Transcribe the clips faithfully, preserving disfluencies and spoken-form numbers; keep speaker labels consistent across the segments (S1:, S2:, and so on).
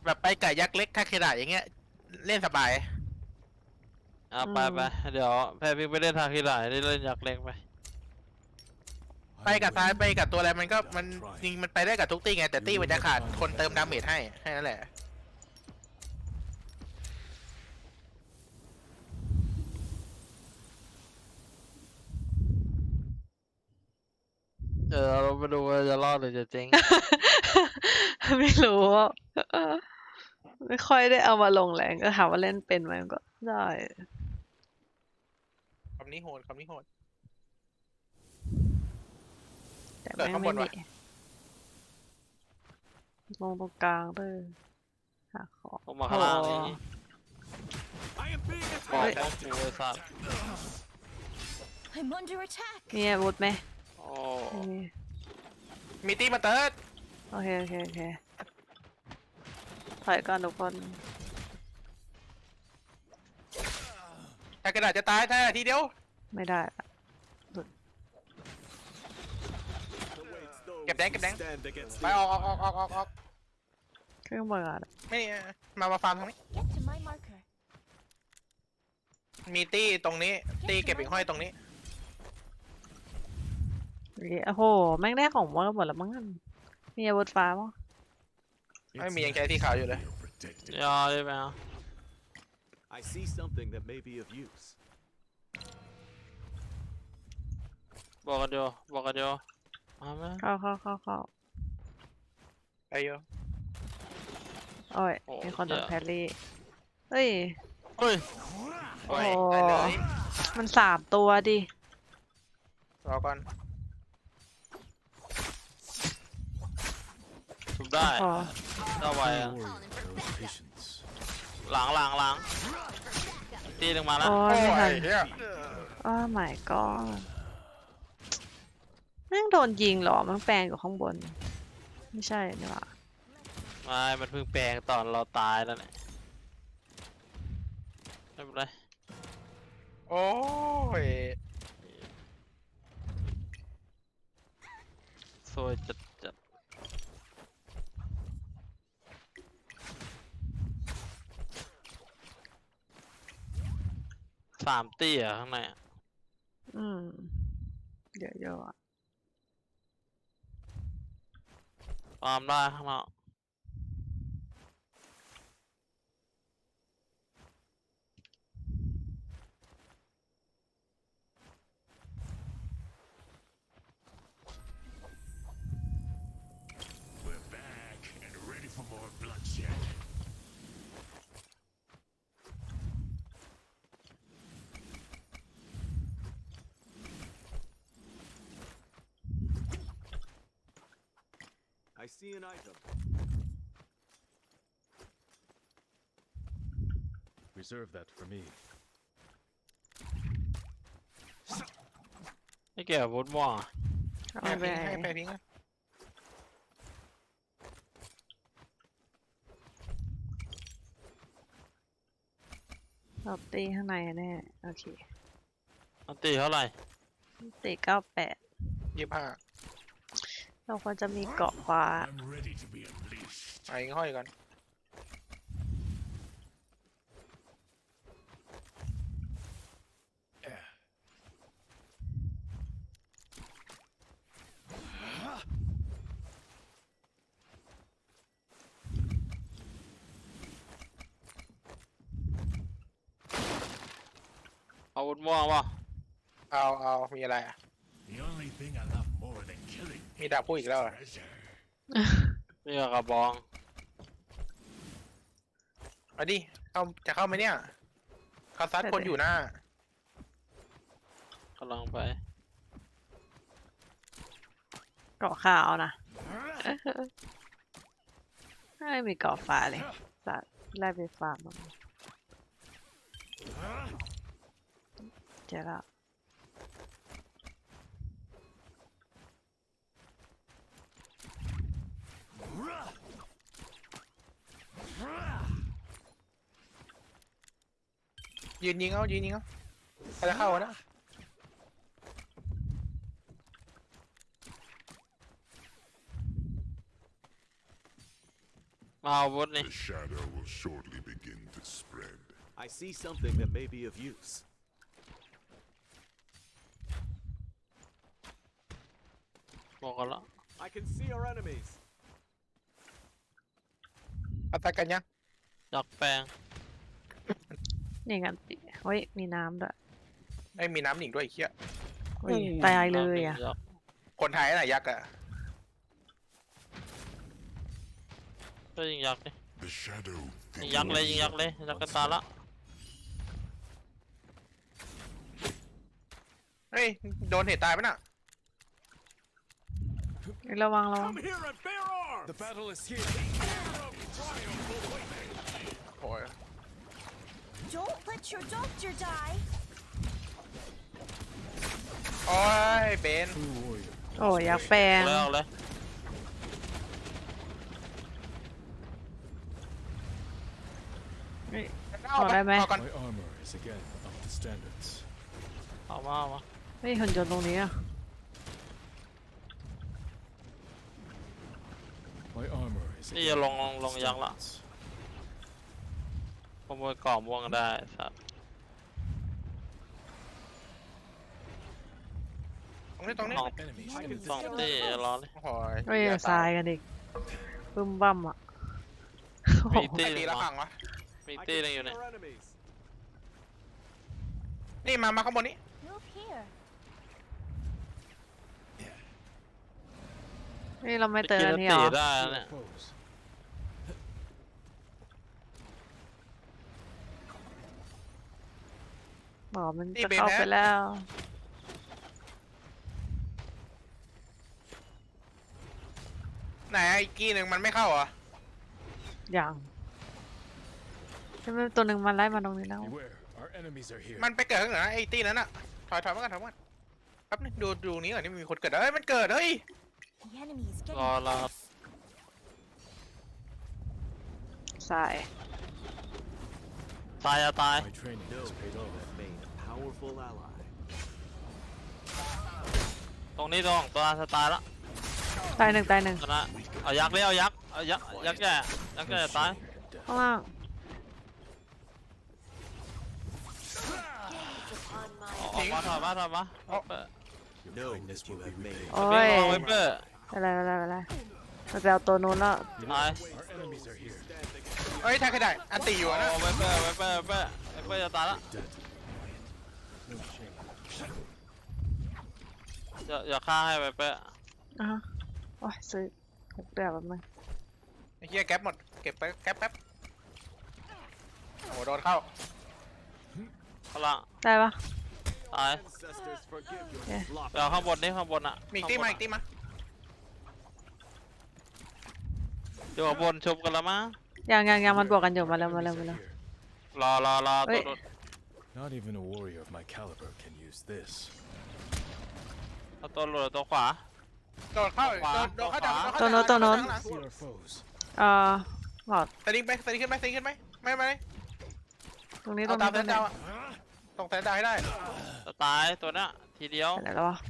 S1: แบบไปไก่ยักษ์เล็กคาเคดะอย่างเงี้ยเล่นสบาย
S2: อ่ะไปไปเดี๋ยวแพรพิกไปเล่นทางที่ไหนได้เล่นยักษ์เล็กไป
S1: ไปกับซ้ายไปกับตัวอะไรมันก็มันจริงมันไปได้กับทุกตีไงแต่ตีมันจะขาดคนเติมดาเมจให้แค่นั้นแหละ
S2: เออเราไปดูว่าจะรอดหรือจะเจ๊ง
S3: ไม่รู้ว่าไม่ค่อยได้เอามาลงแรงก็ถามว่าเล่นเป็นไหมก็ได้
S1: คำนี้โหดคำนี้โหด
S3: แต่
S1: เกิด
S3: แม่ง
S1: ข้างบ
S3: ไม่
S1: น
S3: มี
S1: วะ
S3: ลงตรงกลางเลยหาของ
S2: ลงมาข้างล่าง
S3: โอ้
S2: นี้บอกป้องกูไอ้สัตว์
S4: I'm under attack.
S3: มีอาวุธไหม
S2: โอ้
S3: ไม่มี
S1: มีตีมาเติร์ด
S3: โอเคโอเคโอเคถอยก่อนทุกคน
S1: ถ้ากระดาษจะตายแท้ทีเดียว
S3: ไม่ได้ละ
S1: เก็บแดงเก็บแดงไปออกออกออกออกออกออก
S3: เครื่องเบิร์ด
S1: ไม่มามาฟาร์มตรงนี้
S4: Get to my marker.
S1: มีตี้ตรงนี้ตี้เก็บอีกห้อยตรงนี้
S3: โอ้โหแม่งได้ของหมดหมดแล้วมั้งมีอาวุธฟ้ามั้ง
S1: ไม่มียังใช้ที่ขาวอยู่เลย
S2: ยอได้ไหมอ่ะ
S5: I see something that may be of use.
S2: บอกกันเดียวบอกกันเดียวมาไหม
S3: เข้าเข้าเข้าเข้า
S1: ไปโย
S3: โอ้ยมีคนโดนแพรรี่เฮ้ย
S2: เฮ้ย
S1: โอ้ย
S3: โอ้
S1: ได้เลย
S3: มันสามตัวดิ
S1: รอก่อน
S2: ถูกได้
S3: พอ
S2: ได้ไวอ่ะ
S5: Patience.
S2: หลังหลังหลังตีลงมาแล้ว
S3: โอ้
S1: โอ้
S3: ย
S1: ย
S3: ไม่ทัน
S1: เฮีย
S3: โอ้ my god แม่งโดนยิงเหรอมันแปลงอยู่ข้างบน ไม่ใช่นี่หว่า
S2: ไม่มันเพิ่งแปลงตอนเราตายแล้วเนี่ยไม่เป็นไร
S1: โอ้ย
S2: สวยจัดจัดสามตีเหรอ่ะข้างในอะ
S3: อืมเดี๋ยวเยอะอะ
S2: ตามได้ข้างนอก
S6: We're back and ready for more bloodshed.
S5: I see an item.
S6: Reserve that for me.
S2: ไม่เกี่ยวกับวุฒิม่วงอะ
S3: เอา
S1: ให้
S3: ไป
S1: พิงให้ไปพิงนะ
S3: เราตีข้างในแน่โอเค
S2: อันตีเท่าไหร่
S3: ตีเก้าแปด
S1: ยี่สิบห้า
S3: เราควรจะมีเกาะฟ้า
S6: I'm ready to be unleashed.
S1: ไอ้ห้อยก่อน
S2: เอาวุฒิม่วงป่ะ
S1: เอาเอามีอะไรอ่ะ
S6: The only thing I love more than killing
S1: มีดาบพูดอีกแล้วเหรอ
S6: treasure.
S2: นี่ก็กระบอง
S1: เอาดิเข้าจะเข้าไหมเนี่ยเขาซัดคนอยู่หน้า
S2: กำลังไป
S3: เกาะขาวนะไม่มีเกาะฟ้าเลยสัตว์ไล่ไปฟาร์มมันเจอแล้ว
S1: ยืนยิงเอายืนยิงเอาใครจะเข้าวะนะ
S2: มาเอาวุธนี่
S7: The shadow will shortly begin to spread.
S5: I see something that may be of use.
S2: บอกกันละ
S5: I can see our enemies.
S1: อัตรากันยัง
S2: อยากแปลง
S3: นี่กันติเฮ้ยมีน้ำด้วย
S1: ไอ้ยมีน้ำหนิงด้วยไอ้เหี้ย
S3: เฮ้ยตายเลยอ่ะ
S2: อยาก
S1: คนไทยน่ะยักษ์อะ
S2: ก็ยิงยักษ์ดิ
S7: The shadow
S2: ยิงยักษ์เลยยิงยักษ์เลยยักษ์กันตายละ
S1: เฮ้ยโดนเหตุตายไหมน่ะ
S3: เฮ้ยระวังระวัง
S5: Come here and bear arms. The battle is here.
S1: โอ้ย
S4: Don't let your doctor die.
S1: โอ้ยเบน
S6: True warrior.
S3: โอ้ยอยากแปลง
S2: เอาเลยเอาเลย
S3: เฮ้ย
S1: เอา
S3: เอาได้ไหม
S1: เอาก่อน
S6: My armor is again up to standards.
S2: เอามาเอามา
S3: เฮ้ยหุ่นยนต์ตรงนี้อ่ะ
S6: My armor is
S2: นี่
S6: again
S2: จะลงล
S6: up
S2: ง
S6: to
S2: ลงยังละ
S6: standards.
S2: ขโมยกล่องม่วงได้สัตว์
S1: ตรงนี้ตรงนี้
S2: สอง
S6: Enemy
S2: สองตีรอเลย
S1: โอ้ย
S3: เฮ้ย
S1: เหี้ย
S3: ทรายกันอีกบึ้มบั้มอ่ะโอ้โห
S2: มีตี
S1: ใครตีละ
S2: วะ
S1: พังวะ
S2: มี
S5: I
S2: ตี
S5: can
S2: นึงอยู่
S5: see
S2: เนี่ย
S5: our enemies.
S1: นี่มามาข้างบนนี้
S4: Move here.
S3: นี่เราไม่
S2: ไป
S3: เตือน
S2: กิน
S3: อันนี้
S2: ตี
S3: เหรอ
S2: ได้
S6: See
S2: แล้วเนี่ย
S6: our foes.
S3: บอกมัน
S1: นี่
S3: จะ
S1: เบน
S3: เข้า
S1: นะ
S3: ไปแล้ว
S1: ไหนไอ้กี้หนึ่งมันไม่เข้าเหรอ
S3: อย่างใช่ไหมตัวหนึ่งมันไล่มาตรงนี้แล้ว
S6: Beware, our enemies are here.
S1: มันไปเกิดข้างเหนือไอ้ตีนั้นอะถอยถอยมากันถอยมากันแป๊บนึงดูดูนี้ก่อนนี่มีคนเกิดเฮ้ยมันเกิดเฮ้ย
S4: The enemy is getting
S2: รอรอ
S4: close.
S3: สาย
S2: ตายจะตาย
S6: My training
S5: Know
S6: has
S5: that
S6: paid
S5: you
S6: off.
S5: have made a powerful ally.
S2: ตรงนี้ตรงตัวสตาร์ละ
S3: ตายหนึ่งตายหนึ่ง
S2: ชนะเอายักษ์เลยเอายักษ์เอายักษ์ยักษ์แก่ยักษ์แก่
S6: No
S2: ตาย
S6: shame in death.
S3: ข้างล่าง
S2: ออกมาถอยมาถอยมาเอาไป
S6: Your
S5: Know
S6: kindness
S5: that you
S6: will
S5: have
S6: be
S5: made.
S6: repaid.
S3: โอ้
S2: วิ่
S3: ย
S2: งลงไวเปอร์
S3: อะไรอะไรอะไรมันไปเอาตัวนู้นแล้ว
S2: ตาย
S6: Our enemies are here.
S1: เฮ้ยแทงใครได้อันตีอยู่อะนะ
S2: โอ้ไวเปอร์ไวเปอร์ไวเปอร์ไวเปอร์จะตายละ
S6: Dead. No shame.
S2: อย่าอย่าฆ่าให้ไวเปอร์
S3: อ่ะฮะโอ้ยซื้อหกเดือนแบบนึง
S1: ไอ้เหี้ยแก๊ปหมดเก็บไปแก๊ปแป๊บโอ้โหโดนเข้า
S2: พลัง
S3: ได้ปะ
S2: ตาย
S5: Ancestors forgive your
S3: Yeah.
S5: sloppy
S2: เดี๋ยวข้างบนนี่ข้างบนอ่ะ
S1: มีอีกตีมาอีกตีมา
S2: เดี๋ยวข้างบนชมกันละมั้ง
S3: ยังยังยังมันบวกกันอยู่
S6: Our
S3: มาแล้วมา
S6: enemies
S3: แล้วมา
S6: are
S3: แล้ว
S6: here.
S2: รอรอรอ
S3: เฮ้
S2: ตัวย หลุด
S6: Not even a warrior of my caliber can use this.
S2: เอาตัวหลุดเอาตัวขวา
S1: โดนเข้า
S2: ขวา
S1: โดนโดนเข้าจาก
S2: ขวา
S1: โดนเข้า
S3: ตัวโน้น
S1: จาก
S3: ตัวโน้น
S1: ข้างหลัง
S6: See our foes.
S3: เอ่อหลอด
S1: สลิงไปสลิงขึ้นไหมสลิงขึ้นไหมไม่ไม่
S3: ตรงนี้ตร
S1: เอา
S3: ง
S1: ตา
S3: นี้
S1: ม
S3: ต
S1: แส
S3: รง
S1: น
S3: นี้
S1: ดาวอะตรงแสนดาวให้ได้
S2: จะตายตัวเนี้ยทีเดียว
S3: ไปไหนแล้ววะ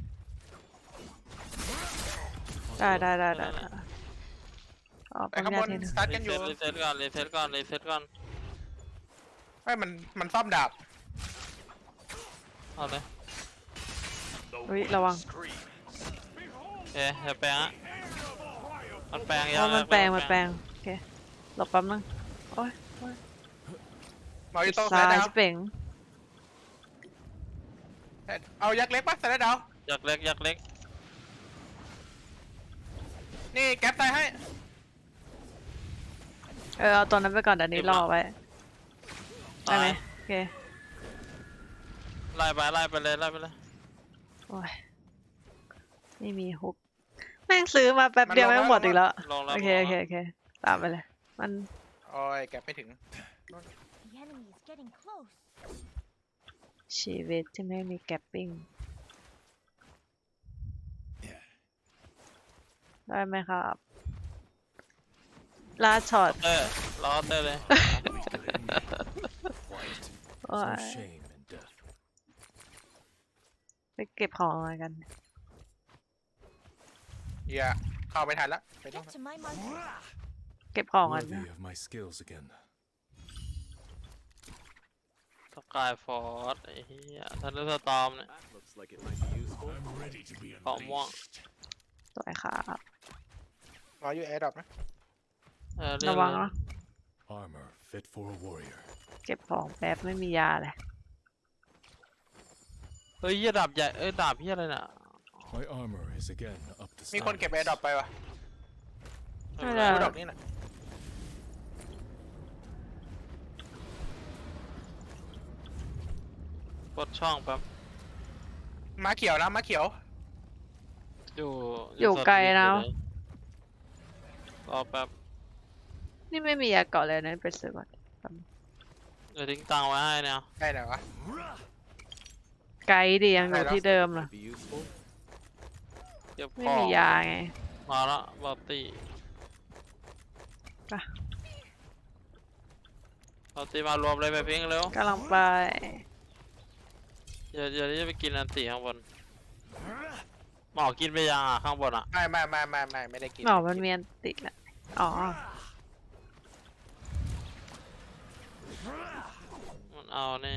S3: ได้ได้ได้ได้ได้อ๋อ
S1: ไป
S3: ปั๊ม
S1: ข้างบ
S3: ยาน ทีนึง
S1: สตาร์ท
S2: รี
S1: กันอ
S2: เซ็
S1: ยู่
S2: ตรีเซ็ตก่อนรีเซ็ตก่อนรีเซ็ตก่อน
S1: ไม่มันมันซ่อมดาบ
S2: เอาเลย
S3: เฮ้ยระวัง
S2: เอ๊ะอย่าแปลงอ่ะมันแปลง
S3: เพ
S2: ยัง
S3: ราะมันแปลงมันแปลงโอเคหลบแป๊บนึงโอ้ยโอ้ย
S1: มาอยู่ตรงแส
S3: ซ้าน ย
S1: ดาว
S3: ชิเป่ง
S1: เอายักษ์เล็กปะแสนดาว
S2: ยักษ์เล็กยักษ์เล็ก
S1: นี่แก๊ปตายให้
S3: เออเอาตัวนั้นไปก่อนเดี๋ยวนี้รอไว้ได้ไหม
S2: ตาย
S3: โอเค
S2: ไล่ไปไล่ไปเลยไล่ไปเลย
S3: โอ้ยไม่มีฮุกแม่งซื้อมาแป๊บเดียวแม่งหมดอีกแล้ว
S2: ลงแล้ว
S3: โอเคโอเคโอเคตามไปเลยมัน
S1: โอ้ยแก๊ปไม่ถึง
S4: The enemy is getting close.
S3: ชีวิตที่ไม่มีแกปปิ้งได้ไหมครับลาช็อต
S2: เตอร์รอเตอร์เลย
S3: โอ้
S6: No
S3: ย
S6: shame in death.
S3: ไปเก็บของอะไรกัน
S1: อย่าเข้าไปทันละไปต้อง
S4: Get to my marker.
S3: เก็บของกันนะ
S6: Worthy of my skills again.
S2: สกายฟอร์ดไอ้เหี้ยทันเดอร์สตอร์มเนี่ย
S5: That looks like it might be useful.
S7: I'm ready to be
S2: เกาะม่วง
S3: สวยครับ
S1: รออยู่แอร์ดรอปนะ
S2: เออเล่น
S3: ระวัง
S2: เล่น
S3: นะ
S6: Armor fit for a warrior.
S3: เก็บของแป๊บไม่มียาเลย
S2: เฮ้ยเหี้ยดาบใหญ่เอ้ยดาบเหี้ยอะไรน่ะ
S6: My armor is again up to
S1: มีคนเก็บแอร์ดรอป
S6: standards.
S1: ไปวะ
S3: ไม่ได้
S1: ดูดอกนี่น่ะ
S2: กดช่องแป๊บ
S1: ม้าเขียวนะม้าเขียว
S2: อยู่
S3: อยู่ไกลนะ
S2: รอแป๊บ
S3: นี่ไม่มียาเกาะเลยนะไปซื้อก่อน
S2: เดี๋ยวทิ้งตังค์ไว้ให้เนี่ย
S1: ได้ไหนวะ
S3: ไกลดิยังอยู่ที่เดิมนะ
S5: Be useful.
S2: เก็บ
S3: ไม่
S2: ของ
S3: มียาไง
S2: มาละบอตตี้
S3: ไป
S2: บอตตี้มารวมเลยไปพิงเร็ว
S3: กำลังไป
S2: เดี๋ยวเดี๋ยวจะไปกินอันตีข้างบนหมอกินไปยังอ่ะข้างบนอ่ะ
S1: ไม่ไม่ไม่ไม่ไม่ไม่ได้กิน
S3: หนอมันเมียนติดแหละอ๋อ
S2: มันเอาเนี่ย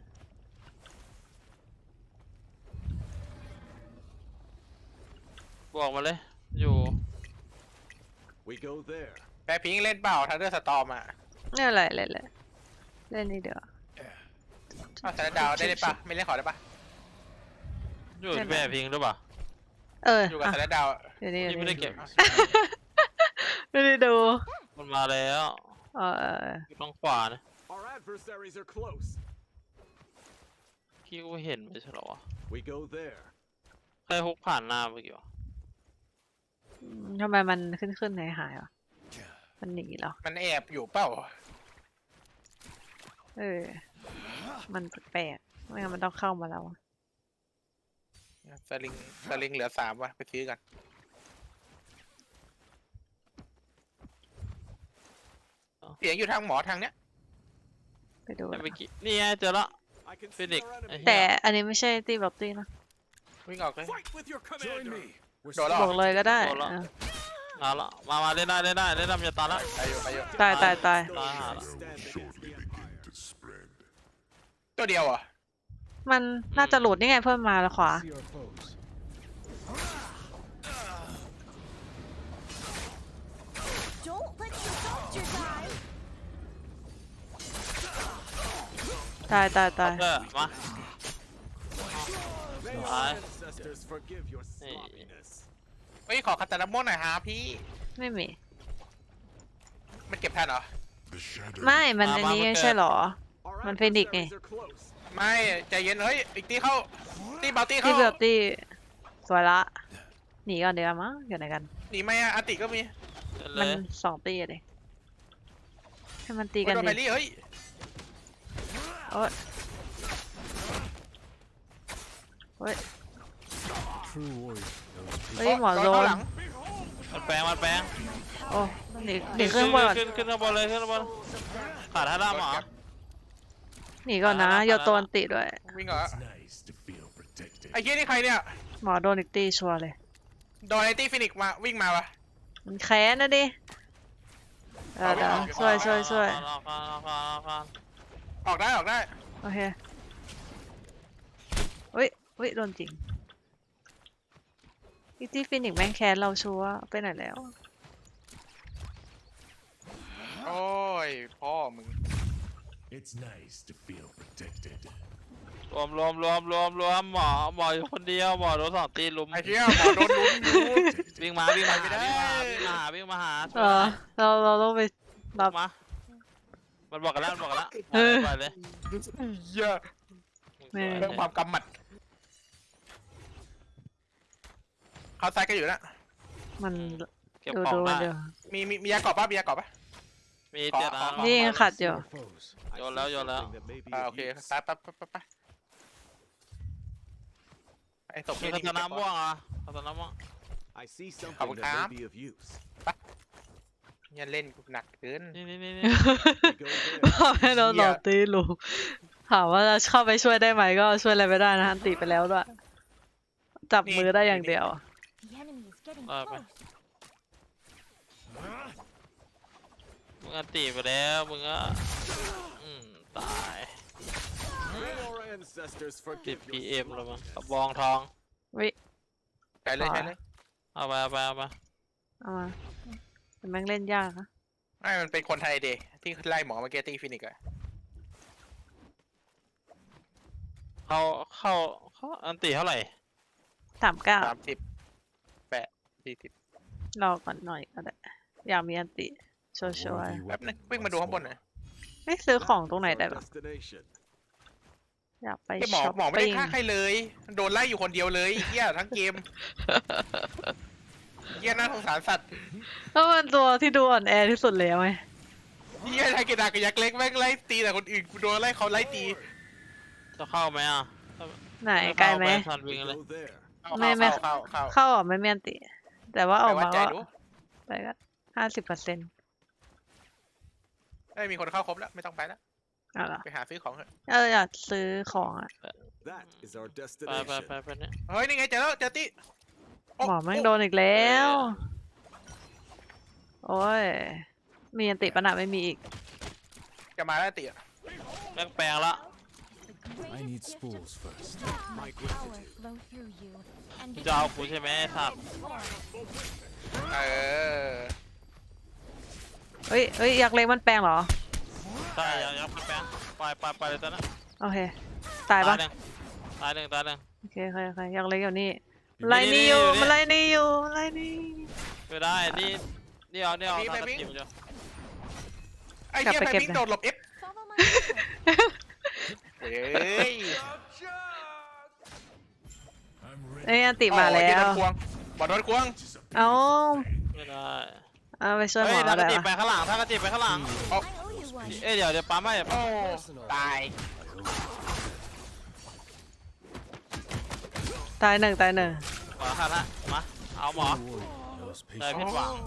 S2: บอกมาเลย อยู่
S5: We go there.
S1: แปรพิงค์เล่นเปล่าทันเดอร์สตอมอ่ะ
S3: นี่อะไรเลยเลยเล่นนี่เดี๋ยว
S1: อ้าวแต่ละดาวได้เลยปะไม่เล่นขอได้ปะ
S2: อยู่ที่แม่พิงหรือเปล่า
S3: เออ
S1: อยู่กับ
S3: อ่ะ
S1: แต่ละดาวอะ
S3: เดี๋ยวนี้
S2: พี่ไม่ได้เก็บ
S3: ไม่ได้ดู
S2: มันมาแล้ว
S3: เออเออ
S2: อยู่ตรงขวานะ
S5: Our adversaries are close.
S2: พี่กูเห็นไม่ใช่เหรอวะ
S5: We go there.
S2: ใครฮุกผ่านหน้าเมื่อกี้วะ
S3: อืมทำไมมันขึ้นขึ้นหายหายวะมันหนีเหรอ
S1: มันแอบอยู่เปล่า
S3: เออ มันแปลกๆไม่งั้นมันต้องเข้ามาแล้วอะ
S1: สลิงสลิงเหลือสามวะไปซื้อกัน เสียงอยู่ทางหมอทางเนี้ย
S3: ไปดู
S2: แต่
S3: นะ
S2: เมื่อกี้นี่ไงเจอละ
S5: I can see
S2: Phoenix.
S5: our enemy.
S3: แต่อันนี้ไม่ใช่ตีบ็อกตี้นะ
S1: วิ่งออกเลย
S5: Fight with your
S6: Join
S5: commander.
S6: me. We're
S1: โดนแล้ว
S3: บอกเลยก็ได้
S2: โดนละ
S3: อ่ะ
S2: มาละมามาเล่นได้เล่นได้เล่นได้มันจะตายละ
S1: ไปอยู่ไปอยู่
S3: ตายตายตาย
S5: Still
S2: Ah.
S5: stand
S7: will
S5: against
S7: shortly
S5: the
S7: begin
S5: empire.
S7: to spread.
S1: ตัวเดียวเหรอ่ะ
S3: มันน่าจะหลุดนี่ไงเพิ่มมาแล้วขวา
S6: see our foes.
S4: Don't let your doctor die.
S3: ตายตายตาย
S2: เออมา
S5: May your
S2: Aye.
S5: ancestors forgive your sloppiness.
S1: เฮ้ยขอคาตานาโม่หน่อยฮะพี่
S3: ไม่มี
S1: มันเก็บทันเหรอ
S7: The shadow
S3: ไม่ มัน
S2: มา
S3: อัน
S2: มา
S3: นี้
S2: มา
S3: ไม่ใช่เหรอ
S5: Our
S3: Man, Phoenix eh.
S5: adversaries are close.
S1: ไม่ใจเย็นเฮ้ยอีกตีเข้าตีเบาตี
S3: ที่
S1: เข้า
S3: เบลตี้สวยละ หนีก่อนเดี๋ยวมั้งอยู่ไหนกัน
S1: หนีไหมอะอาติก็มี
S2: เล่น
S3: มั
S2: เล
S3: น
S2: ย
S3: สองตีอะดิให้มันตี
S1: โอ้
S3: กั
S1: ย
S3: น
S1: โดนไป
S3: ดิ
S1: รี่เฮ้ย
S3: โอ้ยโอ้ย
S6: True warrior knows
S3: เฮ้ยหมอ
S1: โด
S3: โด
S1: นเข้าน หลัง
S2: มันแปลงมันแปลง
S3: โอ้หนีหนีขึ้นบนก่อน
S2: ขึ้นขึ้นข้างบนเลยขึ้นข้างบนขาดท่าด้ามเหรอ
S3: หนีก่อนนะ
S2: มาแล้ว
S3: โยโตนติด้วย
S1: วิ่งเหรอ
S7: It's nice to feel protected.
S1: ไอ้เหี้ยนี่ใครเนี่ย
S3: หมอโดนอีกตีชัวร์เลย
S1: โดนไอ้ตี้ฟินิกซ์มาวิ่งมาวะ
S3: มันแค้นนะดิเออเดี๋ยวช่วยช่วยช่วย
S2: รอก่อนรอก่อนรอก่อน
S1: ออกได้ออกได้
S3: โอเคอุ้ยอุ้ยโดนจริงอีตี้ฟินิกซ์แม่งแค้นเราชัวร์ไปไหนแล้ว
S1: โอ้ยพ่อมึง
S7: It's nice to feel protected.
S2: รวมรวมรวมรวมรวมหมอหมออยู่คนเดียวหมอโดนสองตีลุม
S1: ไอ้เหี้ยหมอโดนลุ้มอยู่
S2: วิ่งมาวิ่งมา
S1: ไม่ได้
S2: วิ่งมาวิ่งมาหา
S3: เออเราเราต้องไปรับ
S2: มามันบอกกันแล้วมันบอกกันแล้ว
S3: เออ
S2: ไปเลย
S1: เหี้ย
S3: แม่
S1: เรื่องความกำหมัดเขาซ้ายก็อยู่นะ
S3: มัน
S2: เก็บ
S3: ดู
S2: ของ
S3: ดู
S2: ได้
S3: เดี๋ยว
S1: มีมีมียากรอบป่ะมียากรอบป่ะ
S2: มีเจ็ดอัน
S1: ขอ
S3: นี่ยังขัดอยู่
S6: our foes.
S5: I
S2: Yo
S5: see
S2: lao, yo lao.
S5: something that may be
S1: อ่า
S5: of
S1: โอเค
S5: use.
S1: ซ้ายปั๊บปั๊บปั๊บปั๊บไอ้ศพ
S2: มี
S1: นี่
S2: คาตานาม่วงอ่ะคาตานาม่วง
S5: I see something
S1: Không
S5: that
S1: khám.
S5: may be of use.
S1: เนี่ยเล่นกูหนักเกิน
S2: นี่นี่นี่นี่
S5: We go there.
S3: พ่อแม่โดนหลอกตีลูกถามว่าจะเข้าไปช่วยได้ไหมก็ช่วยอะไรไม่ได้นะอันติไปแล้วด้วย จับมือได้อย่างเดียว
S4: The enemy is getting
S2: Uh,
S4: close.
S2: งอันตีไปแล้วมึงก็อืมตาย
S5: May our ancestors
S2: ติด
S5: forgive
S2: พี
S5: your
S2: เอ็มแล้วมั้งกระ
S5: slowness.
S2: บองทอง
S3: วิ
S1: ใช้เลยใช้เลย
S2: เอาไปเอาไปเอาไป
S3: เอามาแต่แม่งเล่นยากนะ
S1: ไม่มันเป็นคนไทยเดที่ไล่หมอมาเกตีฟินิกอะ
S2: เข้าเข้าเข้าอันตีเท่าไหร่
S3: สามเก้า
S1: สามสิบแปดสี่สิบ
S3: รอก่อนหน่อยก็ได้อยากมีอันติชัวร์
S6: Worthy
S1: แป๊บนึง
S6: weapon
S1: วิ่งมาดู
S6: once
S1: ข้างบนหน่อย
S3: ๆไม่ซื้อของตรงไหน
S5: That's
S3: ได้
S5: our
S3: บ้าง
S5: destination.
S3: อยากไป
S1: ไอหมอ
S3: ช้อป
S1: หมอไม่ได้
S3: ปิ้ง
S1: ฆ่าใครเลย โดนไล่อยู่คนเดียวเลยไอ้เหี้ยทั้งเกมเหี้ยน่าสงสารสัตว์
S3: ก็มันตัวที่ดูอ่อนแอที่สุดแล้วไง
S1: เหี้ยไทยเกดากับยักษ์เล็กแม่งไล่ตีแต่คนอื่นกูโดนไล่เขาไล่ตี
S2: จะเข้าไหมอ่ะ
S3: ไหนไกลไหม
S2: ทันวิ่ง
S5: We
S2: เลย
S5: go there.
S1: เข้า
S3: ไม่ไม่
S1: เข้าเข้าเข้า
S3: เข้าออกไม่มีอันติ แต่ว่าอ
S1: ไป
S3: อก
S1: วัด
S3: มา
S1: ใจ
S3: ก็
S1: ดู
S3: ไปก็ห้าสิบเปอร์เซ็นต์
S1: ไม่มีคนเข้าครบแล้วไม่ต้องไปแล้ว
S3: เอาล่ะ
S1: ไปหาซื้อของเถอะ
S3: เอออยากซื้อของอ่ะ
S5: That is our
S2: ไปไป
S5: destination.
S2: ไปไปเนี่ย
S1: เฮ้ยนี่ไงเจอแล้วเจอตีโ
S3: หมอแม่งโดนอีกแล้ว โอ้ย มีอันติปะนะไม่มีอีก
S1: จะมาแล้วตีอะ
S2: แม่งแปลงละ
S6: I need spools first.
S5: My
S4: Power
S5: gratitude.
S4: flow through you. And
S2: มึงจะเอากูใช่ไหมไอ้สัตว์
S1: เออ
S3: เฮ้ยเฮ้ยอยากเล็กมันแปลงเหรอ
S2: ใช่ยังยังมันแปลงไปไปไปเลยตอนนั้น
S3: โอเค ตายปะ
S2: หนึ่งตายหนึ่งตายหนึ่ง
S3: โอเคโอเคโอเคอยากเล็กอยู่นี่
S2: อยู่นี่
S3: ไล่นี่อยู่
S2: อยู่นี่
S3: มันไล่นี่อยู่ไล่นี่
S2: ไม่ได้นี่นี่เอานี่เอา
S1: ไป
S2: ตาม
S1: วิ่ง
S2: จิ้มจ้ะ
S1: ไอ้เหี้ย
S3: กลับ
S1: ไป
S3: ไปเก็บ
S1: วิ่ง
S3: นะ
S1: โดดหลบเอฟ
S4: follow my leader.
S1: เฮ้ย
S7: I'm ready.
S3: เอ้ยอันติมา
S1: อ๋อ
S3: แล้
S1: ไอ้เหี้ยโด
S3: วน
S1: ควงบอลโดนควง
S7: This is a
S3: เอา
S2: ไม่ได้
S3: เอาไปช่วยห
S2: เฮ้
S3: ม
S2: ย
S3: อ
S2: ถ้ากระ
S3: ได้
S2: จิบ
S3: ปะ
S2: ไปข้างหลังถ้ากระจิบไปข้างหลัง
S4: I owe you one.
S2: เอ้ยเดี๋ยวเดี๋ยวปั๊มให้เดี๋ยว
S1: โอ้
S2: ปั๊ม
S1: ตาย
S3: ตายหนึ่งตายหนึ่ง
S2: ขอคันละมาเอาหมอ
S6: warrior knows
S2: ได้
S6: patience.
S2: ผิดหวัง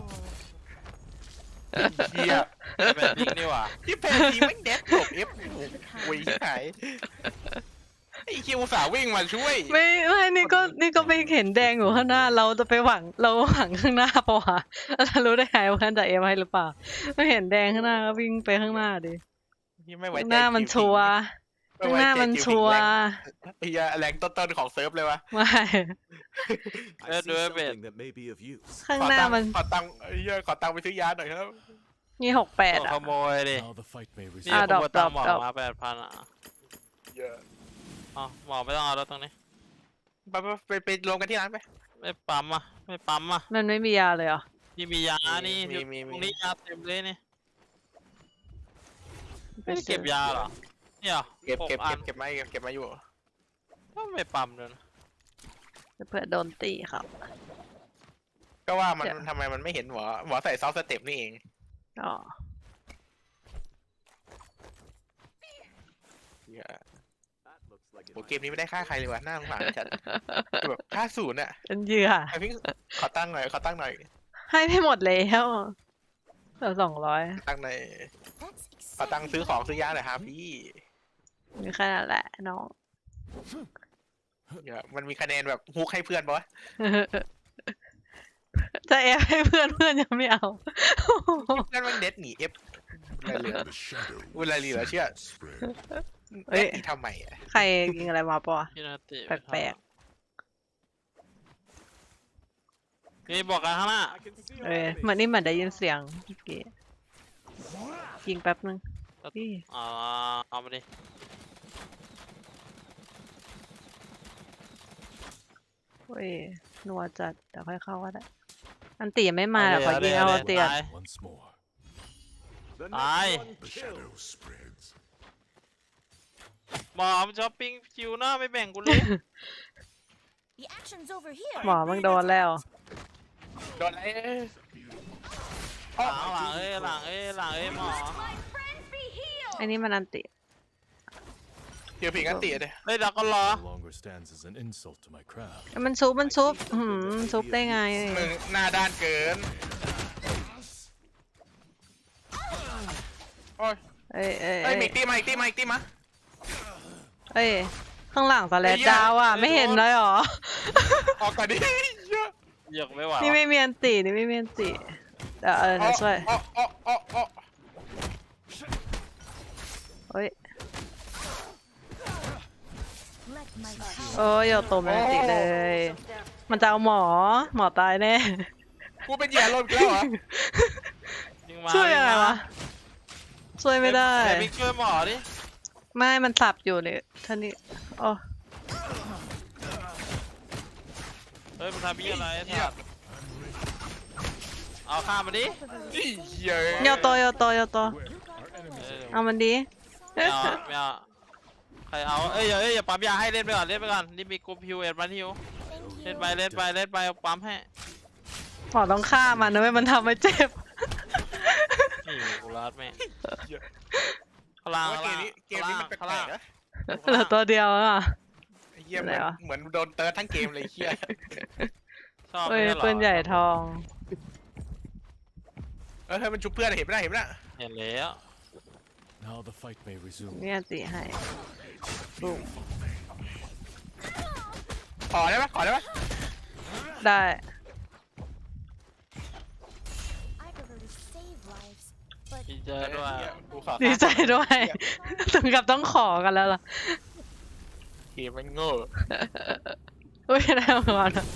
S1: เหี้ย
S2: ได้แบบยิงดีกว่า
S1: ที่แพนทีไม่งเด็ดหลบเอฟโอ้ยหายไอ้คิวสาห์วิ่งมาช่วย
S3: ไม่ไม่นี่ก็นี่ก็ไปเห็นแดงอยู่ข้างหน้า เราจะไปหวังเราหวังข้างหน้าปะวะเรารู้ได้ไงว่าท่านจะเอฟให้หรือเปล่าไม่เห็นแดงข้างหน้าก็วิ่งไปข้างหน้าดิ
S1: ที่ไม่ไว้
S3: ข้าง
S1: ใจ
S3: หน้ามัน
S1: คิว
S3: ชัวร์
S1: ไม่
S3: ข้าง
S1: ไว้
S3: หน้า
S1: ใจ
S3: มัน
S1: คิ
S3: ชัวร์
S1: แรงไอ้เหี้ยแรงต้นๆของเซิร์ฟเลยวะ
S3: ไม่
S5: I see something that may be of use.
S3: ข้างหน้ามัน
S1: ขอตังค์ไอ้เหี้ยขอตังค์ไปซื้อยาหน่อยครับ
S3: มีหกแปด
S2: ตัว
S3: อ่ะ
S2: ขโมยดิ
S6: Now the fight may
S2: นี่
S3: อ่ะ
S6: resume.
S2: ข
S3: ดอก
S2: โมยตังค์หมอ
S3: ดอก
S2: มาแปดพันอ่ะ
S1: เยอะ
S2: อ๋อหมอไม่ต้องเอาแล้วตรงนี้
S1: ไปไปไปไปรวมกันที่ร้านไป
S2: ไม่ปั๊มอ่ะไม่ปั๊มอ่ะ
S3: มันไม่มียาเลยเหรอ
S2: นี่มียานี่
S1: มีมีมี
S2: ตรงนี้ยาเต็มเลยนี่
S3: ไป
S2: ไม่ได้
S3: ซื้
S2: เก็
S3: อบ
S2: ยาเหรอเนี่ยหรอ
S1: เก็บ
S2: ห
S1: เก็บ
S2: อั
S1: เก็
S2: น
S1: บเก็บมาเก็บเก็บมาอยู่
S2: ก็ไม่ปั๊มเลยนะ
S3: เผื่อโดนตีครับ
S1: ก็ว่ามัน
S3: เดี๋ยว
S1: ทำไมมันไม่เห็นหมอหมอใส่ซอฟต์สเต็ปนี่เอง
S3: อ๋อ
S1: เหี้ย
S5: That looks like it
S1: โห
S5: might
S1: เกมนี้ไม่ได้ฆ่าใครเลยว่ะน่าสงสารจัดคือแบบฆ่าศูนย์อะ
S3: เป็นเหยื่อ
S1: ไอพิงขอตั้งหน่อยขอตั้งหน่อย
S3: ให้ไม่หมดแล้วเหลือสองร้อย
S1: ตั้งหน่อย
S4: That's
S1: ขอตั้ง
S4: exciting.
S1: ซื้อของซื้อยาหน่อยครับพี่
S3: มีแค่นั้นแหละน้อง
S1: เหี้ยมันมีคะแนนแบบฮุกให้เพื่อนปะวะ
S3: จะแอบให้เพื่อนเพื่อนยังไม่เอา
S1: เพื่อนมันเด็ดหนีเอฟอะไรเหลือ
S7: The shadow
S1: เวลาเหลือเชื่อ
S7: spread.
S3: เอ้ย
S1: เด็ดหนีทำไมอะ
S3: ใครกินอะไรมาปะวะ
S2: พี่นาติ
S3: แปลก
S2: นี่บอกกันข้างหน้า
S5: I can see
S3: เอ
S5: our
S3: อ
S5: enemy.
S3: เหมือนนี่เหมือนได้ยินเสียงเมื่อกี้ยิงแป๊บนึงพี่
S2: อ่าเอามาดิ
S3: เว้ยนัวจัดเดี๋ยวค่อยเข้าก็ได้อันตียังไม่มาเดี๋ยวขอยิงเอาอันตีก่อน
S2: ตาย
S6: Once more.
S5: The
S2: Aye.
S5: next one
S7: The
S5: kills.
S7: shadow spreads.
S2: หมอมช้อปปิ้งคิวหน้าไม่แบ่งกูเลย
S4: The action's over here.
S3: หมอมึงโดนแล้ว
S1: โดนอะไร
S2: หลังหลังเอ้ยหลังเอ้ยหลังเอ้ยหมอ
S4: My friends be healed.
S3: ไอ้นี่มันอันติ
S1: เดี๋ยวผิงกันตีเลย
S2: เฮ้ยเราก็รอ
S6: No longer stands as an insult to my craft.
S3: มันซุบมันซุบหืมซุบได้ไง
S1: มึงหน้าด้านเกินโอ้ย
S3: เอ้ยเอ้ย
S1: เอ้
S3: เอ้
S1: ย
S3: ย
S1: มีอีกตีมาอีกตีมาอีกตีมา
S3: เอ้ยข้างหลังสแลดดาวอ่ะ
S2: ไอ้เหี้ย
S3: ไม่เห็นเลยเหรอ
S1: ออกก่อนดิเยอะ
S2: เหยียกไม่ไหว
S3: นี่
S2: วะ
S3: ไม่มีอันตินี่ไม่มีอันติเดี๋ยวเออเดี๋ยวช่วย
S1: อ๋ออ๋ออ๋ออ๋อ
S3: อ้ย
S4: Let my power
S3: โอ้ยโยโตแมนติเลย มันจะเอาหมอ หมอตายแน่
S1: กูเป็นเหยื่อลมแล้วเหรอ
S2: ยิงมา
S3: ช่วยอะไรวะ ช่วยไม่ได้
S2: แต่บิ๊กช่วยหมอดิ
S3: ไม่ มันสับอยู่เนี่ยท่านี้โอ้
S2: เฮ้ยมันทำยี่อะไรไอ้สัตว์เอาข้ามมาดิ
S1: เหี้ย
S3: โยโตโยโตโยโต
S2: เออ
S3: เอามันดี
S2: ไม่เอาไม่เอาใครเอาเอ้ยอย่าเอ้ยอย่าปั๊มยาให้เล่นไปก่อนเล่นไปก่อนนี่มีกรุ๊ปฮิวเอ็ดมาฮิว
S4: thank
S2: เล่น
S4: you.
S2: ไปเล่นไปเล่นไปเอาปั๊มให้
S3: หมอต้องฆ่ามันนะไม่มันทำให้เจ็บ
S2: นี่กูรัดแม่งข้างล่าง
S1: ว่า
S2: ข้าง
S1: เก
S2: ล่าม ง
S1: นี้เกมนี้มันแป
S2: ข้าง
S1: ล
S2: ล่าง
S1: กๆนะ
S3: เหลือตัวเดียวอ่ะ
S1: ไอ้เหี้ยเห
S3: ไหน
S1: มือน
S3: วะ
S1: เหมือนโดนเติร์ดทั้งเกมเลยไอ้เหี้ย
S2: ชอบ
S3: เอ้ย
S2: ไม่ช่เรอ
S3: ปืนใหญ่ทอง
S1: เออเฮ้ยมันชุบเพื่อนเห็นไหมล่ะเห็นไหมล่ะ
S2: เห็นแล้ว
S6: Now the fight may resume.
S3: เนี่ยติให้
S1: ขอได้ปะขอได้ปะ
S3: ได้
S4: I prefer to save lives, but
S2: ดีเจอด้วย
S1: เหี้กูขอ
S3: ดีใจด้วย ถึงกับต้องขอกันแล้วล่ะ
S1: เกมมันโง่
S3: อุ้ยได้มาก่อนอะ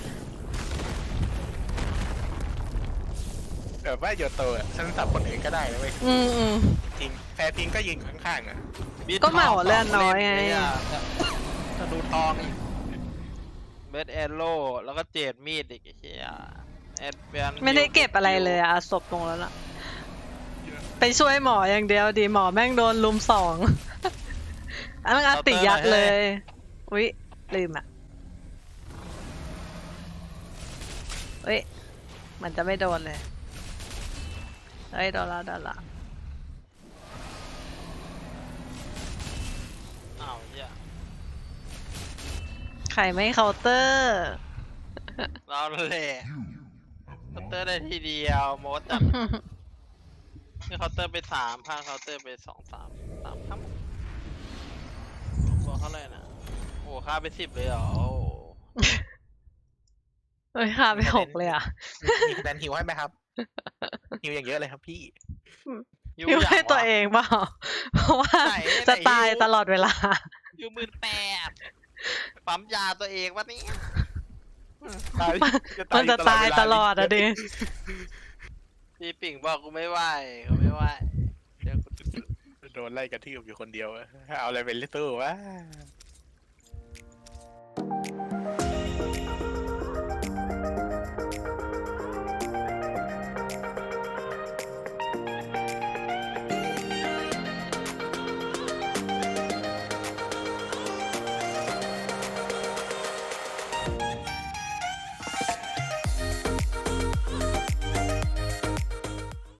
S1: แบบว่าโยโตอ่ะฉันสับคนอื่นก็ได้นะเว้ย
S3: อืมอืม
S1: จริงแพ้พิงก็ยิงข้างๆอ่ะ
S3: ก็เหมาเลือดน้อยไง
S1: ธนูทองอีก
S2: เบสแอโร่แล้วก็เจดมีดอีกไอ้เหี้ยแอดแวน
S3: ไม่ได้เก็บอะไรเลยอะศพลงแล้วล่ะ ไปช่วยหมออย่างเดียวดีหมอแม่งโดนลุมสอง อันนั้นอาติยัดเลย อุ๊ย ลืมอ่ะเฮ้ย มันจะไม่โดนเลย เฮ้ย โดนละโดนละ
S2: อ้าวเหี้ย
S3: ใครไม่เคาน์เตอร์
S2: เราแหละเคาน์เตอร์ได้ทีเดียวโมดจัดนี่เคาน์เตอร์ไปสามข้างเคาน์เตอร์ไปสองสามสามครับบอกเท่าไหร่นะโอ้ค่าไปสิบเลยเหรอโอ้
S3: เฮ้ยค่าไปหกเลยอ่ะ
S1: มีคะแนนฮิวให้ไหมครับฮิวอย่างเยอะเลยครับพี่
S2: ยู
S3: พิว
S2: อย่าง
S3: ให้ตัว
S2: ะ
S3: เองเปล่า เพราะว่า
S2: ไหน
S3: จะ
S2: ไหน
S3: ตาย
S2: อยู่
S3: ตลอดเวลา
S2: ยูหมื่นแปดปั๊มยาตัวเองวะเนี่ย
S1: ตาย
S3: มันจะตายตลอดอะดิ
S2: พี่ปิ่งบอกกูไม่ไหวกูไม่ไหวเดี๋ยวกู
S1: โดนไล่กระทืบอยู่คนเดียวอะเอาอะไรเป็นลิตเติ้ลวะ